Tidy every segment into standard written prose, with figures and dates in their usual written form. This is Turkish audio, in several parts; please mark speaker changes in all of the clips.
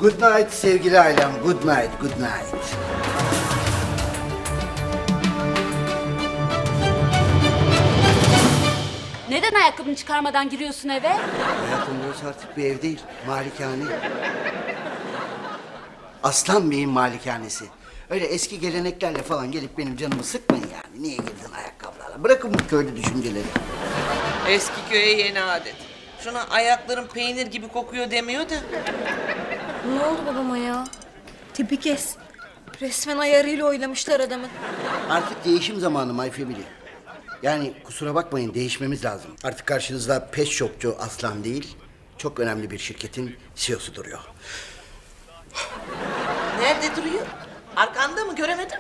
Speaker 1: Good night sevgili ailem. Good night, good night.
Speaker 2: Neden ayakkabını çıkarmadan giriyorsun eve?
Speaker 1: Hayatım burası artık bir ev değil, malikane. Aslan Bey'in malikanesi. Öyle eski geleneklerle falan gelip benim canımı sıkmayın yani. Niye girdin ayakkabılarla? Bırakın bu köylü düşünceleri.
Speaker 3: Eski köye yeni adet. Şuna ayakların peynir gibi kokuyor demiyor da.
Speaker 4: Ne oldu babama ya? Tipi kes. Resmen ayarıyla oynamışlar adamın.
Speaker 1: Artık değişim zamanı my family. Yani kusura bakmayın değişmemiz lazım. Artık karşınızda pet shopçu Aslan değil, çok önemli bir şirketin CEO'su duruyor.
Speaker 3: Nerede duruyor? Arkanda mı? Göremedim.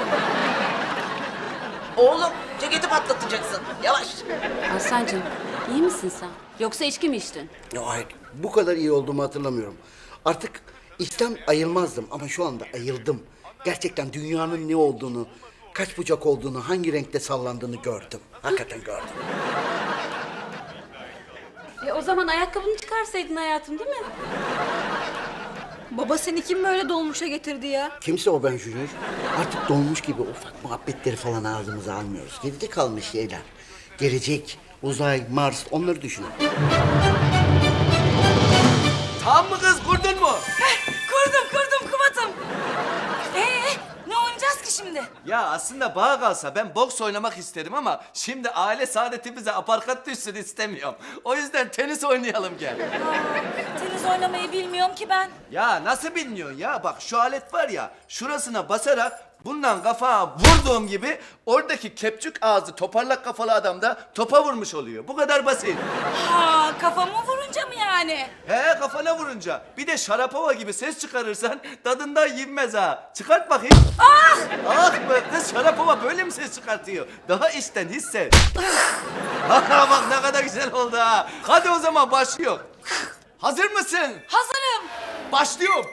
Speaker 3: Oğlum ceketi patlatacaksın. Yavaş.
Speaker 2: Aslancığım, iyi misin sen? Yoksa içki mi içtin?
Speaker 1: Ya hayır, bu kadar iyi olduğumu hatırlamıyorum. Artık İslam ayılmazdım ama şu anda ayıldım. Gerçekten dünyanın ne olduğunu, kaç bucak olduğunu, hangi renkte sallandığını gördüm. Hakikaten gördüm.
Speaker 2: O zaman ayakkabını çıkarsaydın hayatım, değil mi?
Speaker 4: Baba seni kim böyle dolmuşa getirdi ya?
Speaker 1: Kimse o ben Junior. Artık dolmuş gibi ufak muhabbetleri falan ağzımıza almıyoruz. Geride kalmış şeyler. Gelecek, uzay, Mars onları düşünün.
Speaker 5: Tam mı kız kurdun mu?
Speaker 4: Kurdum Kubat'ım. Ne oynayacağız ki şimdi?
Speaker 5: Ya aslında bana kalsa ben boks oynamak isterim ama şimdi aile saadetimize aparkat düşsün istemiyorum. O yüzden tenis oynayalım gel.
Speaker 4: Tenis oynamayı bilmiyorum ki ben.
Speaker 5: Ya nasıl bilmiyorsun ya? Bak şu alet var ya, şurasına basarak bundan kafaya vurduğum gibi oradaki kepçük ağzı toparlak kafalı adam da topa vurmuş oluyor. Bu kadar basit.
Speaker 4: Ha, kafamı vurunca mı yani?
Speaker 5: He, kafana vurunca. Bir de şarapova gibi ses çıkarırsan tadından yenmez ha. Çıkart bakayım. Ah! Ah be kız, şarapova böyle mi ses çıkartıyor? Daha içten hisset. Ha, bak ne kadar güzel oldu ha. Hadi o zaman başlıyor. Hazır mısın?
Speaker 4: Hazırım.
Speaker 5: Başlıyorum.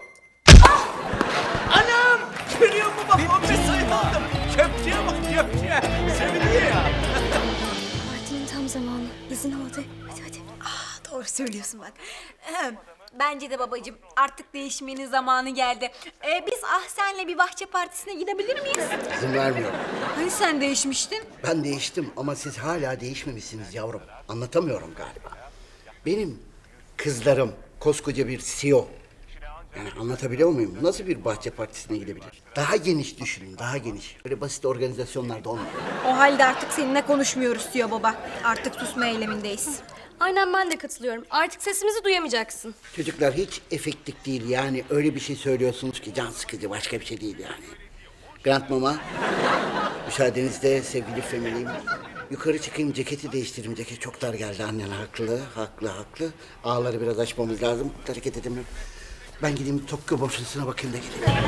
Speaker 5: Anam! Görüyor musun bak 15 sayı aldım. Köpçeye bak köpçeye. Seviniyor ya.
Speaker 4: Partinin tam zamanı. İzin aldı. Hadi. Doğru söylüyorsun bak. Bence de babacığım artık değişmenin zamanı geldi. Biz senle bir bahçe partisine gidebilir miyiz?
Speaker 1: İzin vermiyorum.
Speaker 4: Hani sen değişmiştin?
Speaker 1: Ben değiştim ama siz hala değişmemişsiniz yavrum. Anlatamıyorum galiba. Benim kızlarım koskoca bir CEO. Yani anlatabiliyor muyum? Nasıl bir bahçe partisine gidebilir? Daha geniş düşünün, daha geniş. Öyle basit organizasyonlarda olmuyor.
Speaker 4: O halde artık seninle konuşmuyoruz diyor baba. Artık susma eylemindeyiz.
Speaker 6: Aynen, ben de katılıyorum. Artık sesimizi duyamayacaksın.
Speaker 1: Çocuklar hiç efektif değil yani öyle bir şey söylüyorsunuz ki can sıkıcı, başka bir şey değil yani. Grant Mama, müsaadenizle sevgili family'im. Yukarı çıkayım, ceketi değiştireyim. Ceket çok dar geldi, annen haklı. Ağları biraz açmamız lazım, hareket edemiyorum. Ben gideyim Tokyo borsasına bakayım da geleyim.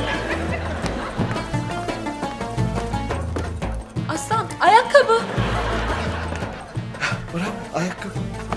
Speaker 2: Aslan, ayakkabı.
Speaker 1: Bravo, ayakkabı.